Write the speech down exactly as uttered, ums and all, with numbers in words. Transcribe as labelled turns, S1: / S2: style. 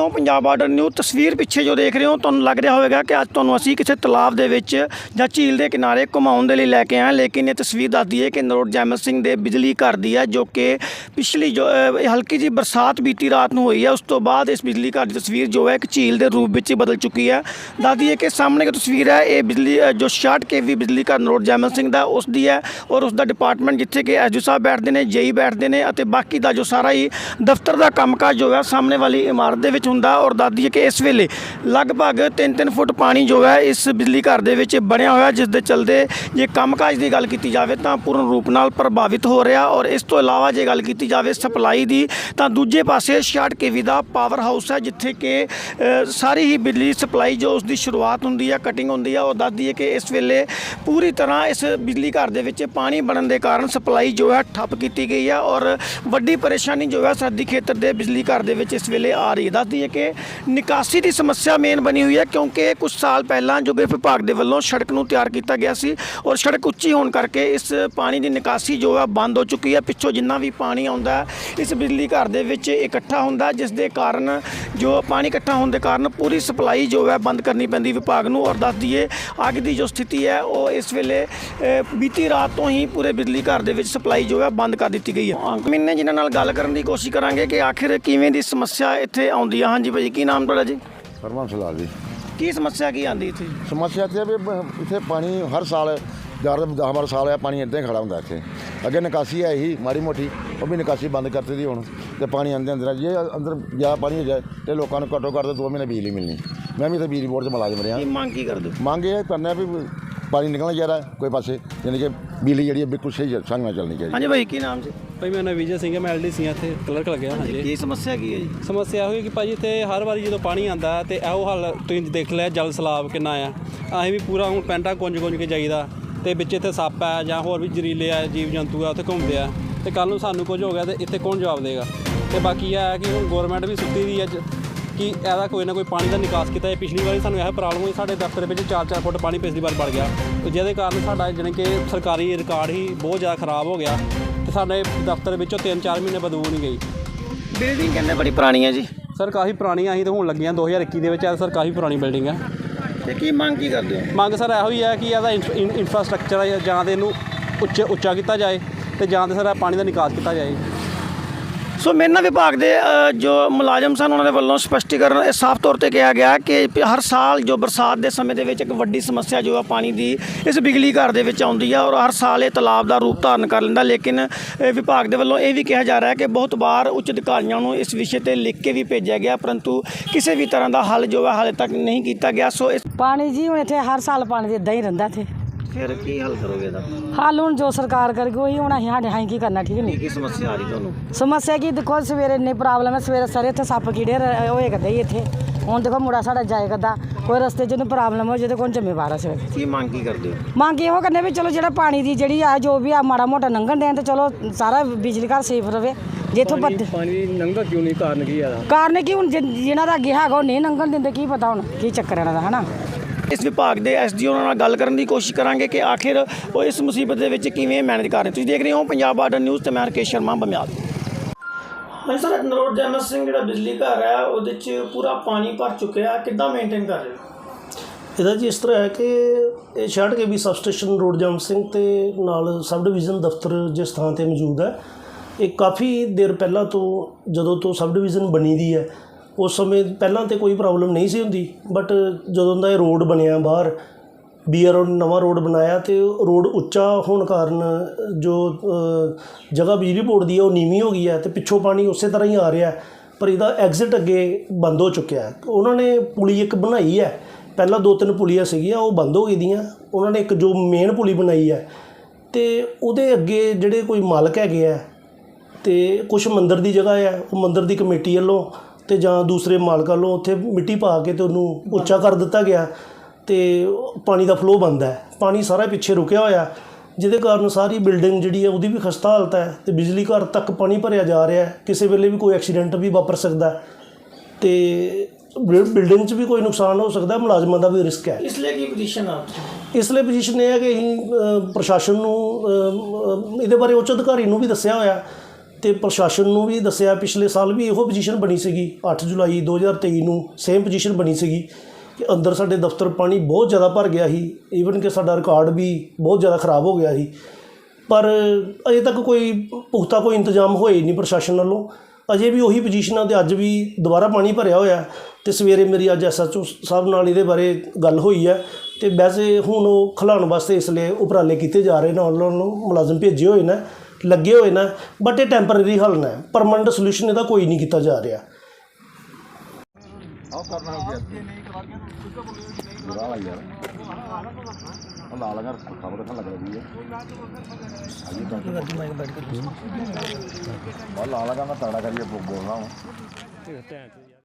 S1: ਹੋ Punjab border new. ਤਸਵੀਰ ਪਿੱਛੇ ਜੋ ਦੇਖ ਰਹੇ ਹੋ ਤੁਹਾਨੂੰ ਲੱਗ ਰਿਹਾ ਹੋਵੇਗਾ ਕਿ ਅੱਜ ਤੁਹਾਨੂੰ ਅਸੀਂ ਕਿਸੇ ਤਲਾਬ ਦੇ ਵਿੱਚ ਜਾਂ ਝੀਲ ਦੇ ਕਿਨਾਰੇ ਘੁਮਾਉਣ ਦੇ ਲਈ ਲੈ ਕੇ ਆਏ, ਲੇਕਿਨ ਇਹ ਤਸਵੀਰ ਦੱਸਦੀ ਹੈ ਕਿ ਨਰੋਟ ਜੈਮਲ ਸਿੰਘ ਦੇ ਬਿਜਲੀ ਘਰ ਦੀ ਹੈ, ਜੋ ਕਿ ਪਿਛਲੀ ਜੋ ਹਲਕੀ ਜਿਹੀ ਬਰਸਾਤ ਬੀਤੀ ਰਾਤ ਨੂੰ ਹੋਈ ਹੈ। ਉਸ ਤੋਂ ਬਾਅਦ ਇਸ ਬਿਜਲੀ ਘਰ ਦੀ ਤਸਵੀਰ ਜੋ ਹੈ ਇੱਕ ਝੀਲ ਦੇ ਰੂਪ ਵਿੱਚ ਬਦਲ ਚੁੱਕੀ ਹੈ। ਦੱਸਦੀ ਹੈ ਕਿ ਸਾਹਮਣੇ ਇੱਕ ਤਸਵੀਰ ਹੈ, ਇਹ ਬਿਜਲੀ ਜੋ ਛਿਆਹਠ ਕੇ ਵੀ ਬਿਜਲੀ ਘਰ ਨਰੋਟ ਜੈਮਲ ਸਿੰਘ ਦਾ ਉਸ ਦੀ ਹੈ, ਔਰ ਉਸ ਦਾ ਡਿਪਾਰਟਮੈਂਟ ਜਿੱਥੇ ਕਿ ਐਸ ਡੀ ਸਾਹਿਬ ਬੈਠਦੇ ਨੇ, ਜੇਈ ਬੈਠਦੇ ਨੇ, ਅਤੇ ਬਾਕੀ ਦਾ ਜੋ ਸਾਰਾ ਹੀ ਦਫ਼ਤਰ ਦਾ ਕੰਮਕਾਜ ਜੋ ਹੈ ਸਾਹਮਣੇ ਵਾਲੀ ਇਮਾਰਤ ਦੇ ਵਿੱਚ ਹੁੰਦਾ। ਔਰ ਦੱਸਦੀ ਹੈ ਕਿ ਇਸ ਵੇਲੇ ਲਗਭਗ ਤਿੰਨ ਤਿੰਨ ਫੁੱਟ ਪਾਣੀ ਜੋ ਹੈ ਇਸ ਬਿਜਲੀ ਘਰ ਦੇ ਵਿੱਚ ਬਣਿਆ ਹੋਇਆ, ਜਿਸ ਦੇ ਚਲਦੇ ਜੇ ਕੰਮਕਾਜ ਦੀ ਗੱਲ ਕੀਤੀ ਜਾਵੇ ਤਾਂ ਪੂਰਨ ਰੂਪ ਨਾਲ ਪ੍ਰਭਾਵਿਤ ਹੋ ਰਿਹਾ। ਔਰ ਇਸ ਤੋਂ ਇਲਾਵਾ ਜੇ ਗੱਲ ਕੀਤੀ ਜਾਵੇ ਸਪਲਾਈ ਦੀ, ਤਾਂ ਦੂਜੇ ਪਾਸੇ ਛਿਆਹਠ ਕੇ ਵੀ ਦਾ ਪਾਵਰ ਹਾਊਸ ਹੈ, ਜਿੱਥੇ ਕਿ ਸਾਰੀ ਹੀ ਬਿਜਲੀ ਸਪਲਾਈ ਜੋ ਉਸ ਦੀ ਸ਼ੁਰੂਆਤ ਹੁੰਦੀ ਹੈ, ਕਟਿੰਗ ਹੁੰਦੀ ਹੈ। ਉਹ ਦੱਸਦੀ ਹੈ ਕਿ ਇਸ ਵੇਲੇ ਪੂਰੀ ਤਰ੍ਹਾਂ ਇਸ ਬਿਜਲੀ ਘਰ ਦੇ ਵਿੱਚ ਪਾਣੀ ਬਣਨ ਦੇ ਕਾਰਨ ਸਪਲਾਈ ਜੋ ਹੈ ਠੱਪ ਕੀਤੀ ਗਈ ਹੈ, ਔਰ ਵੱਡੀ ਪਰੇਸ਼ਾਨੀ ਜੋ ਹੈ ਸਰਦੀ ਖੇਤਰ ਦੇ ਬਿਜਲੀ ਘਰ ਦੇ ਵਿੱਚ ਇਸ ਵੇਲੇ ਆ ਰਹੀ ਹੈ। ਦੱਸਦੀ ਹੈ ਕਿ ਨਿਕਾਸੀ ਦੀ ਸਮੱਸਿਆ ਮੇਨ ਬਣੀ ਹੋਈ ਹੈ, ਕਿਉਂਕਿ ਕੁਝ ਸਾਲ ਪਹਿਲਾਂ ਜੋ ਗ੍ਰਿਹ ਵਿਭਾਗ ਦੇ ਵੱਲੋਂ ਸੜਕ ਨੂੰ ਤਿਆਰ ਕੀਤਾ ਗਿਆ ਸੀ, ਔਰ ਸੜਕ ਉੱਚੀ ਹੋਣ ਕਰਕੇ ਇਸ ਪਾਣੀ ਦੀ ਨਿਕਾਸੀ ਜੋ ਹੈ ਬੰਦ ਹੋ ਚੁੱਕੀ ਹੈ। ਪਿੱਛੋਂ ਜਿੰਨਾ ਵੀ ਪਾਣੀ ਆਉਂਦਾ ਇਸ ਬਿਜਲੀ ਘਰ ਦੇ ਵਿੱਚ ਇਕੱਠਾ ਹੁੰਦਾ, ਜਿਸ ਦੇ ਕਾਰਨ ਜੋ ਪਾਣੀ ਇਕੱਠਾ ਹੋਣ ਦੇ ਕਾਰਨ ਪੂਰੀ ਸਪਲਾਈ ਜੋ ਹੈ ਬੰਦ ਕਰਨੀ ਪੈਂਦੀ ਵਿਭਾਗ ਨੂੰ। ਔਰ ਦੱਸ ਦਈਏ ਅੱਗ ਦੀ ਜੋ ਸਥਿਤੀ ਹੈ ਉਹ ਇਸ ਵੇਲੇ ਬੀਤੀ ਰਾਤ ਤੋਂ ਹੀ ਪੂਰੇ ਬਿਜਲੀ ਘਰ ਦੇ ਵਿੱਚ ਸਪਲਾਈ ਜੋ ਹੈ ਬੰਦ ਕਰ ਦਿੱਤੀ ਗਈ ਹੈ। ਮੈਨੇ ਜਿਨ੍ਹਾਂ ਨਾਲ ਗੱਲ ਕਰਨ ਦੀ ਕੋਸ਼ਿਸ਼ ਕਰਾਂਗੇ ਕਿ ਆਖਿਰ ਕਿਵੇਂ ਦੀ ਸਮੱਸਿਆ ਇੱਥੇ ਆਉਂਦੀ ਹੈ। ਹਾਂਜੀ ਭਾਈ, ਕੀ ਨਾਮ ਤੁਹਾਡਾ ਜੀ?
S2: ਹਰਮਨ ਲਾਲ ਜੀ।
S1: ਕੀ ਸਮੱਸਿਆ ਕੀ ਆਉਂਦੀ ਇੱਥੇ?
S2: ਸਮੱਸਿਆ ਇੱਥੇ ਵੀ ਇੱਥੇ ਪਾਣੀ ਹਰ ਸਾਲ ਯਾਰ ਦਸ ਬਾਰਾਂ ਸਾਲ ਆ ਪਾਣੀ ਇੱਦਾਂ ਹੀ ਖੜਾ ਹੁੰਦਾ ਇੱਥੇ। ਅੱਗੇ ਨਿਕਾਸੀ ਹੈ ਹੀ ਮਾੜੀ ਮੋਟੀ, ਉਹ ਵੀ ਨਿਕਾਸੀ ਬੰਦ ਕਰਤੀ ਦੀ ਹੁਣ, ਅਤੇ ਪਾਣੀ ਅੰਦਰ ਅੰਦਰ ਜੇ ਅੰਦਰ ਜ਼ਿਆਦਾ ਪਾਣੀ ਹੋ ਜਾਏ ਅਤੇ ਲੋਕਾਂ ਨੂੰ ਘੱਟੋ ਘੱਟ ਦੋ ਮਹੀਨੇ ਬਿਜਲੀ ਮਿਲਣੀ। ਮੈਂ ਵੀ ਇੱਥੇ ਬਿਜਲੀ ਬੋਰਡ 'ਚ ਮੁਲਾਜ਼ਮ ਰਿਹਾ।
S1: ਮੰਗ ਕੀ ਕਰਦੇ?
S2: ਮੰਗ ਇਹ ਕਰਨਾ ਵੀ ਪਾਣੀ ਨਿਕਲਣਾ ਚਾਹੀਦਾ ਕੋਈ ਪਾਸੇ, ਯਾਨੀ ਕਿ ਬਿਜਲੀ ਜਿਹੜੀ ਬਿਲਕੁਲ ਸਹੀ ਸਾਨੂੰ ਚੱਲਣੀ ਚਾਹੀਦੀ।
S1: ਹਾਂਜੀ ਭਾਈ, ਕੀ ਨਾਮ ਜੀ?
S3: ਭਾਈ ਮੇਰਾ ਨਾਮ ਵਿਜੇ ਸਿੰਘ ਹੈ, ਮੈਂ ਐਲ ਡੀ ਸੀ ਇੱਥੇ ਕਲਰਕ ਲੱਗਿਆ। ਹਾਂਜੀ,
S1: ਕੀ ਸਮੱਸਿਆ ਕੀ ਹੈ ਜੀ?
S3: ਸਮੱਸਿਆ ਹੋਈ ਕਿ ਭਾਜੀ ਇੱਥੇ ਹਰ ਵਾਰੀ ਜਦੋਂ ਪਾਣੀ ਆਉਂਦਾ ਅਤੇ ਇਹੋ ਹਾਲ ਤੁਸੀਂ ਦੇਖ ਲਿਆ, ਜਲ ਸਲਾਬ ਕਿੰਨਾ ਆ। ਅਸੀਂ ਵੀ ਪੂਰਾ ਹੁਣ ਪੈਂਟਾਂ ਗੁੰਜ ਗੁੰਜ ਕੇ ਜਾਈਦਾ, ਅਤੇ ਵਿੱਚ ਇੱਥੇ ਸੱਪ ਹੈ ਜਾਂ ਹੋਰ ਵੀ ਜ਼ਰੀਲੇ ਆ ਜੀਵ ਜੰਤੂ ਆ ਉੱਥੇ ਘੁੰਮਦੇ ਆ, ਅਤੇ ਕੱਲ੍ਹ ਨੂੰ ਸਾਨੂੰ ਕੁਝ ਹੋ ਗਿਆ ਤਾਂ ਇੱਥੇ ਕੌਣ ਜਵਾਬ ਦੇਗਾ? ਅਤੇ ਬਾਕੀ ਇਹ ਹੈ ਕਿ ਹੁਣ ਗੌਰਮੈਂਟ ਵੀ ਸੁੱਤੀ ਦੀ ਹੈ ਕਿ ਇਹਦਾ ਕੋਈ ਨਾ ਕੋਈ ਪਾਣੀ ਦਾ ਨਿਕਾਸ ਕੀਤਾ ਜਾਏ। ਪਿਛਲੀ ਵਾਰੀ ਸਾਨੂੰ ਇਹ ਪ੍ਰੋਬਲਮ ਹੋਈ, ਸਾਡੇ ਦਫ਼ਤਰ ਵਿੱਚ ਚਾਰ ਚਾਰ ਫੁੱਟ ਪਾਣੀ ਪਿਛਲੀ ਵਾਰ ਵੜ ਗਿਆ, ਜਿਹਦੇ ਕਾਰਨ ਸਾਡਾ ਜਾਣੀ ਕਿ ਸਰਕਾਰੀ ਰਿਕਾਰਡ ਹੀ ਬਹੁਤ ਜ਼ਿਆਦਾ ਖਰਾਬ ਹੋ ਗਿਆ, ਅਤੇ ਸਾਡੇ ਦਫ਼ਤਰ ਵਿੱਚੋਂ ਤਿੰਨ ਚਾਰ ਮਹੀਨੇ ਬਦਬੂ ਨਹੀਂ ਗਈ।
S1: ਬਿਲਡਿੰਗ ਕਹਿੰਦੇ ਬੜੀ ਪੁਰਾਣੀ ਹੈ ਜੀ?
S3: ਸਰ ਕਾਫੀ ਪੁਰਾਣੀ ਅਸੀਂ ਤਾਂ ਹੁਣ ਲੱਗੀਆਂ ਦੋ ਹਜ਼ਾਰ ਇੱਕੀ ਦੇ ਵਿੱਚ, ਸਰ ਕਾਫੀ ਪੁਰਾਣੀ ਬਿਲਡਿੰਗ ਹੈ।
S1: ਅਤੇ ਕੀ ਮੰਗ ਕੀ ਕਰਦੇ ਹੋ?
S3: ਮੰਗ ਸਰ ਇਹੋ ਹੀ ਹੈ ਕਿ ਇਹਦਾ ਇਨਫਰਾਸਟਰਕਚਰ ਹੈ ਜਾਂ ਤਾਂ ਇਹਨੂੰ ਉੱਚਾ ਉੱਚਾ ਕੀਤਾ ਜਾਏ, ਅਤੇ ਜਾਂ ਤਾਂ ਸਰ ਪਾਣੀ ਦਾ ਨਿਕਾਸ ਕੀਤਾ ਜਾਏ।
S1: ਸੋ ਮੇਰੇ ਨਾਲ ਵਿਭਾਗ ਦੇ ਜੋ ਮੁਲਾਜ਼ਮ ਸਨ ਉਹਨਾਂ ਦੇ ਵੱਲੋਂ ਸਪਸ਼ਟੀਕਰਨ ਸਾਫ਼ ਤੌਰ 'ਤੇ ਕਿਹਾ ਗਿਆ ਕਿ ਹਰ ਸਾਲ ਜੋ ਬਰਸਾਤ ਦੇ ਸਮੇਂ ਦੇ ਵਿੱਚ ਇੱਕ ਵੱਡੀ ਸਮੱਸਿਆ ਜੋ ਆ ਪਾਣੀ ਦੀ ਇਸ ਬਿਜਲੀ ਘਰ ਦੇ ਵਿੱਚ ਆਉਂਦੀ ਆ, ਔਰ ਹਰ ਸਾਲ ਇਹ ਤਲਾਬ ਦਾ ਰੂਪ ਧਾਰਨ ਕਰ ਲੈਂਦਾ। ਲੇਕਿਨ ਵਿਭਾਗ ਦੇ ਵੱਲੋਂ ਇਹ ਵੀ ਕਿਹਾ ਜਾ ਰਿਹਾ ਹੈ ਕਿ ਬਹੁਤ ਵਾਰ ਉੱਚ ਅਧਿਕਾਰੀਆਂ ਨੂੰ ਇਸ ਵਿਸ਼ੇ ਤੇ ਲਿਖ ਕੇ ਵੀ ਭੇਜਿਆ ਗਿਆ, ਪਰੰਤੂ ਕਿਸੇ ਵੀ ਤਰ੍ਹਾਂ ਦਾ ਹੱਲ ਜੋ ਹੈ ਹਾਲੇ ਤੱਕ ਨਹੀਂ ਕੀਤਾ ਗਿਆ। ਸੋ ਇਸ
S4: ਪਾਣੀ ਜੀ ਹੁਣ ਇੱਥੇ ਹਰ ਸਾਲ ਪਾਣੀ ਦੇ ਇੱਦਾਂ ਹੀ ਰਹਿੰਦਾ ਇੱਥੇ।
S1: ਫਿਰ ਕੀ ਹੱਲ ਕਰੋਗੇ ਇਹਦਾ?
S4: ਹੱਲ ਹੁਣ ਜੋ ਸਰਕਾਰ ਕਰੇਗੀ ਉਹੀ ਹੁਣ ਅਸੀਂ ਸਾਡੇ ਹਾਂ ਕੀ ਕਰਨਾ। ਠੀਕ ਨਹੀਂ,
S1: ਕੀ ਸਮੱਸਿਆ ਆ ਰਹੀ ਤੁਹਾਨੂੰ?
S4: ਸਮੱਸਿਆ ਕੀ ਦੇਖੋ, ਸਵੇਰੇ ਇੰਨੀ ਪ੍ਰੋਬਲਮ ਹੈ, ਸਵੇਰੇ ਸਾਰੇ ਇੱਥੇ ਸੱਪ ਕੀੜੇ ਹੋਏ ਕਰਦੇ ਹੀ ਇੱਥੇ। ਹੁਣ ਦੇਖੋ ਮੁੰਡਾ ਸਾਡਾ ਜਾਏ ਕਰਦਾ, ਕੋਈ ਰਸਤੇ 'ਚ ਉਹਨੂੰ ਪ੍ਰੋਬਲਮ ਹੋ ਜਿਹਦੇ ਕੋਲ ਜ਼ਿੰਮੇਵਾਰ ਹੈ ਸਵੇਰੇ।
S1: ਕੀ ਮੰਗ ਕੀ ਕਰਦੇ ਹੋ?
S4: ਮੰਗ ਇਹੋ ਕਰਨੇ ਵੀ ਚਲੋ ਜਿਹੜਾ ਪਾਣੀ ਦੀ ਜਿਹੜੀ ਆ ਜੋ ਵੀ ਆ ਮਾੜਾ ਮੋਟਾ ਲੰਘਣ ਦੇਣ, ਤੇ ਚਲੋ ਸਾਰਾ ਬਿਜਲੀ ਘਰ ਸੇਫ ਰਵੇ। ਜਿੱਥੋਂ
S3: ਪਾਣੀ ਲੰਘਦਾ ਕਿਉਂ ਨਹੀਂ? ਕਾਰਨ ਕੀ ਆ?
S4: ਕਾਰਨ ਕੀ ਹੁਣ ਜਿਹਨਾਂ ਦਾ ਅੱਗੇ ਹੈਗਾ ਉਹ ਨਹੀਂ ਲੰਘਣ ਦਿੰਦੇ, ਕੀ ਪਤਾ ਹੁਣ ਕੀ ਚੱਕਰ ਇਹਨਾਂ ਦਾ, ਹੈ ਨਾ।
S1: ਇਸ ਵਿਭਾਗ ਦੇ ਐਸ ਡੀ ਓ ਨਾਲ ਗੱਲ ਕਰਨ ਦੀ ਕੋਸ਼ਿਸ਼ ਕਰਾਂਗੇ ਕਿ ਆਖਿਰ ਉਹ ਇਸ ਮੁਸੀਬਤ ਦੇ ਵਿੱਚ ਕਿਵੇਂ ਮੈਨੇਜ ਕਰ ਰਹੇ। ਤੁਸੀਂ ਦੇਖ ਰਹੇ ਹੋ ਪੰਜਾਬ ਬਾਰਡਰ ਨਿਊਜ਼, ਤੇ ਮੈਂ ਰਕੇਸ਼ ਸ਼ਰਮਾ, ਬਮਿਆਲ। ਹਾਂਜੀ ਸਰ, ਨਰੋਟ ਜੈਮਲ ਸਿੰਘ ਜਿਹੜਾ ਬਿਜਲੀ ਘਰ ਹੈ ਉਹਦੇ 'ਚ ਪੂਰਾ ਪਾਣੀ ਭਰ ਚੁੱਕਿਆ, ਕਿੱਦਾਂ ਮੇਨਟੇਨ ਕਰ ਰਹੇ ਹੋ?
S5: ਇਹਦਾ ਜੀ ਇਸ ਤਰ੍ਹਾਂ ਹੈ ਕਿ ਇਹ ਛਿਆਹਠ ਕੇ ਵੀ ਸਬ ਸਟੇਸ਼ਨ ਨਰੋਟ ਜੈਮਲ ਸਿੰਘ ਤੇ ਨਾਲ ਸਬ ਡਿਵੀਜ਼ਨ ਦਫ਼ਤਰ ਜਿਸ ਥਾਂ 'ਤੇ ਮੌਜੂਦ ਹੈ, ਇਹ ਕਾਫੀ ਦੇਰ ਪਹਿਲਾਂ ਤੋਂ ਜਦੋਂ ਤੋਂ ਸਬ ਡਿਵੀਜ਼ਨ ਬਣੀ ਦੀ ਹੈ ਉਸ ਸਮੇਂ ਪਹਿਲਾਂ ਤਾਂ ਕੋਈ ਪ੍ਰੋਬਲਮ ਨਹੀਂ ਸੀ ਹੁੰਦੀ, ਬਟ ਜਦੋਂ ਦਾ ਇਹ ਰੋਡ ਬਣਿਆ ਬਾਹਰ ਬੀ ਆਰ ਨਵਾਂ ਰੋਡ ਬਣਾਇਆ, ਅਤੇ ਰੋਡ ਉੱਚਾ ਹੋਣ ਕਾਰਨ ਜੋ ਜਗ੍ਹਾ ਬਿਜਲੀ ਬੋਰਡ ਦੀ ਹੈ ਉਹ ਨੀਵੀਂ ਹੋ ਗਈ ਹੈ, ਅਤੇ ਪਿੱਛੋਂ ਪਾਣੀ ਉਸੇ ਤਰ੍ਹਾਂ ਹੀ ਆ ਰਿਹਾ, ਪਰ ਇਹਦਾ ਐਗਜ਼ਿਟ ਅੱਗੇ ਬੰਦ ਹੋ ਚੁੱਕਿਆ। ਉਹਨਾਂ ਨੇ ਪੁਲੀ ਇੱਕ ਬਣਾਈ ਹੈ, ਪਹਿਲਾਂ ਦੋ ਤਿੰਨ ਪੁਲੀਆਂ ਸੀਗੀਆਂ ਉਹ ਬੰਦ ਹੋ ਗਈਆਂ, ਉਹਨਾਂ ਨੇ ਇੱਕ ਜੋ ਮੇਨ ਪੁਲੀ ਬਣਾਈ ਹੈ, ਅਤੇ ਉਹਦੇ ਅੱਗੇ ਜਿਹੜੇ ਕੋਈ ਮਾਲਕ ਹੈਗੇ ਆ, ਅਤੇ ਕੁਛ ਮੰਦਰ ਦੀ ਜਗ੍ਹਾ ਹੈ, ਉਹ ਮੰਦਰ ਦੀ ਕਮੇਟੀ ਵੱਲੋਂ ਅਤੇ ਜਾਂ ਦੂਸਰੇ ਮਾਲਕਾਂ ਵੱਲੋਂ ਉੱਥੇ ਮਿੱਟੀ ਪਾ ਕੇ ਅਤੇ ਉਹਨੂੰ ਉੱਚਾ ਕਰ ਦਿੱਤਾ ਗਿਆ, ਅਤੇ ਪਾਣੀ ਦਾ ਫਲੋ ਬੰਦ ਹੈ। ਪਾਣੀ ਸਾਰਾ ਪਿੱਛੇ ਰੁਕਿਆ ਹੋਇਆ, ਜਿਹਦੇ ਕਾਰਨ ਸਾਰੀ ਬਿਲਡਿੰਗ ਜਿਹੜੀ ਹੈ ਉਹਦੀ ਵੀ ਖਸਤਾ ਹਾਲਤ ਹੈ, ਅਤੇ ਬਿਜਲੀ ਘਰ ਤੱਕ ਪਾਣੀ ਭਰਿਆ ਜਾ ਰਿਹਾ। ਕਿਸੇ ਵੇਲੇ ਵੀ ਕੋਈ ਐਕਸੀਡੈਂਟ ਵੀ ਵਾਪਰ ਸਕਦਾ, ਅਤੇ ਬਿਲਡਿੰਗ 'ਚ ਵੀ ਕੋਈ ਨੁਕਸਾਨ ਹੋ ਸਕਦਾ, ਮੁਲਾਜ਼ਮਾਂ ਦਾ ਵੀ ਰਿਸਕ ਹੈ।
S1: ਇਸ ਲਈ ਕੀ ਪੋਜੀਸ਼ਨ ਆ?
S5: ਇਸ ਲਈ ਪੋਜੀਸ਼ਨ ਇਹ ਹੈ ਕਿ ਅਸੀਂ ਪ੍ਰਸ਼ਾਸਨ ਨੂੰ ਇਹਦੇ ਬਾਰੇ ਉੱਚ ਅਧਿਕਾਰੀ ਨੂੰ ਵੀ ਦੱਸਿਆ ਹੋਇਆ, ਤੇ ਪ੍ਰਸ਼ਾਸਨ ਨੂੰ ਵੀ ਦੱਸਿਆ। ਪਿਛਲੇ ਸਾਲ ਵੀ ਇਹੋ ਪੋਜੀਸ਼ਨ ਬਣੀ ਸੀਗੀ, ਅੱਠ ਜੁਲਾਈ ਦੋ ਹਜ਼ਾਰ ਤੇਈ ਨੂੰ ਸੇਮ ਪੋਜੀਸ਼ਨ ਬਣੀ ਸੀਗੀ ਕਿ ਅੰਦਰ ਸਾਡੇ ਦਫ਼ਤਰ ਪਾਣੀ ਬਹੁਤ ਜ਼ਿਆਦਾ ਭਰ ਗਿਆ ਸੀ। ਈਵਨ ਕਿ ਸਾਡਾ ਰਿਕਾਰਡ ਵੀ ਬਹੁਤ ਜ਼ਿਆਦਾ ਖ਼ਰਾਬ ਹੋ ਗਿਆ ਸੀ, ਪਰ ਅਜੇ ਤੱਕ ਕੋਈ ਪੁਖਤਾ ਕੋਈ ਇੰਤਜ਼ਾਮ ਹੋਏ ਨਹੀਂ ਪ੍ਰਸ਼ਾਸਨ ਵੱਲੋਂ। ਅਜੇ ਵੀ ਉਹੀ ਪੋਜੀਸ਼ਨਾਂ ਤੇ ਅੱਜ ਵੀ ਦੁਬਾਰਾ ਪਾਣੀ ਭਰਿਆ ਹੋਇਆ। ਤੇ ਸਵੇਰੇ ਮੇਰੀ ਅੱਜ ਐਸ ਐਚ ਓ ਸਾਹਿਬ ਨਾਲ ਇਹਦੇ ਬਾਰੇ ਗੱਲ ਹੋਈ ਹੈ ਤੇ ਵੈਸੇ ਹੁਣ ਉਹ ਖਿਲਾਉਣ ਵਾਸਤੇ ਇਸ ਲਈ ਉਪਰਾਲੇ ਕੀਤੇ ਜਾ ਰਹੇ ਨੇ, ਉਹਨਾਂ ਨੂੰ ਮੁਲਾਜ਼ਮ ਭੇਜੇ ਹੋਏ ਨੇ, ਲੱਗੇ ਹੋਏ ਨੇ, ਬਟ ਇਹ ਟੈਂਪਰੇਰੀ ਹੱਲ ਨੇ, ਪਰਮਾਨੈਂਟ ਸੋਲੂਸ਼ਨ ਇਹਦਾ ਕੋਈ ਨਹੀਂ ਕੀਤਾ ਜਾ ਰਿਹਾ।
S2: ਲਾ ਲਗਾ ਮੈਂ ਤਗੜਾ ਕਰੀਏ ਬੋਲਣਾ